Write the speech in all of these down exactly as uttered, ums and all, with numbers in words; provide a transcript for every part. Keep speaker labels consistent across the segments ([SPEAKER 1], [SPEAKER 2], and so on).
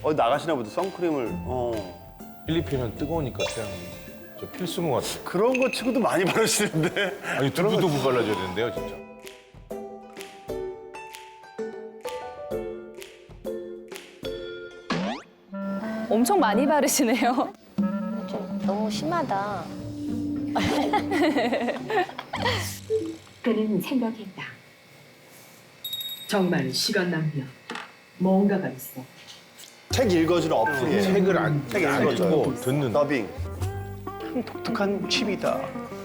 [SPEAKER 1] 어 나가시나 보다 선크림을. 어.
[SPEAKER 2] 필리핀은 뜨거우니까 태양이 저 필수인 것 같아요.
[SPEAKER 1] 그런 거 치고도 많이 바르시는데.
[SPEAKER 2] 아니 두부두부 발라줘야 되는데요, 진짜.
[SPEAKER 3] 엄청 많이 바르시네요.
[SPEAKER 4] 좀 너무 심하다.
[SPEAKER 5] 그는 생각했다. 정말 시간 낭비야. 뭔가가 있어.
[SPEAKER 1] 책 읽어주는 어플이에요.
[SPEAKER 2] 책을 안,
[SPEAKER 1] 책
[SPEAKER 2] 안
[SPEAKER 1] 읽어줘요.
[SPEAKER 2] 읽고 듣는.
[SPEAKER 1] 더빙. 참 독특한 칩이다.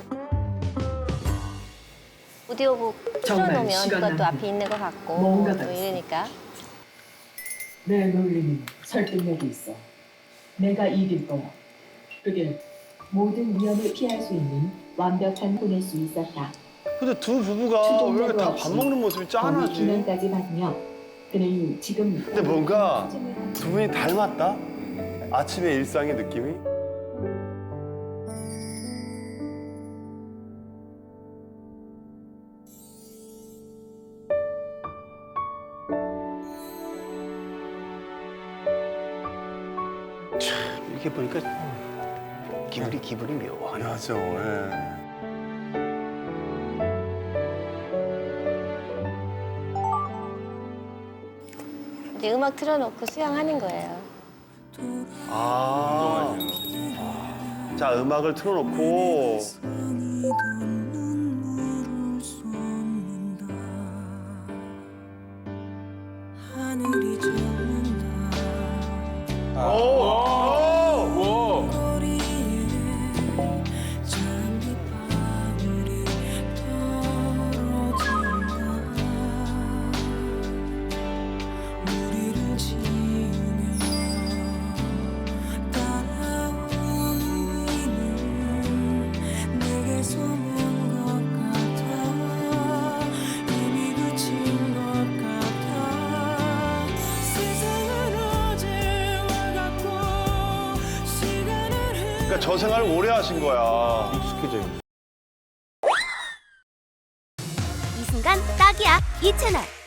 [SPEAKER 4] 오디오북
[SPEAKER 5] 정말
[SPEAKER 4] 틀어놓으면
[SPEAKER 5] 시간
[SPEAKER 4] 누가 또
[SPEAKER 5] 낭비.
[SPEAKER 4] 앞에 있는 것 같고
[SPEAKER 5] 뭔가가
[SPEAKER 4] 또
[SPEAKER 5] 있어.
[SPEAKER 4] 이러니까.
[SPEAKER 5] 내 논리는 설득력이 있어. 내가 이길 거야. 그게 모든 위험을 피할 수 있는 완벽한 보낼 수 있었다.
[SPEAKER 1] 근데 두 부부가 왜 이렇게 다 밥 먹는 모습이 짠하지?
[SPEAKER 5] 기면까지 받으며 그는 지금
[SPEAKER 1] 근데 뭔가 두 분이 닮았다? 아침의 일상의 느낌이?
[SPEAKER 6] 참 이렇게 보니까 기분이 기분이 묘하네.
[SPEAKER 1] 맞아. 예.
[SPEAKER 4] 이제 음악 틀어놓고 수영하는 거예요.
[SPEAKER 1] 아. 자, 음악을 틀어놓고. 오! 오! 그러니까 저 생활을 오래 하신 거야.
[SPEAKER 2] 익숙해져 있는.
[SPEAKER 7] 이 순간 딱이야 이 채널.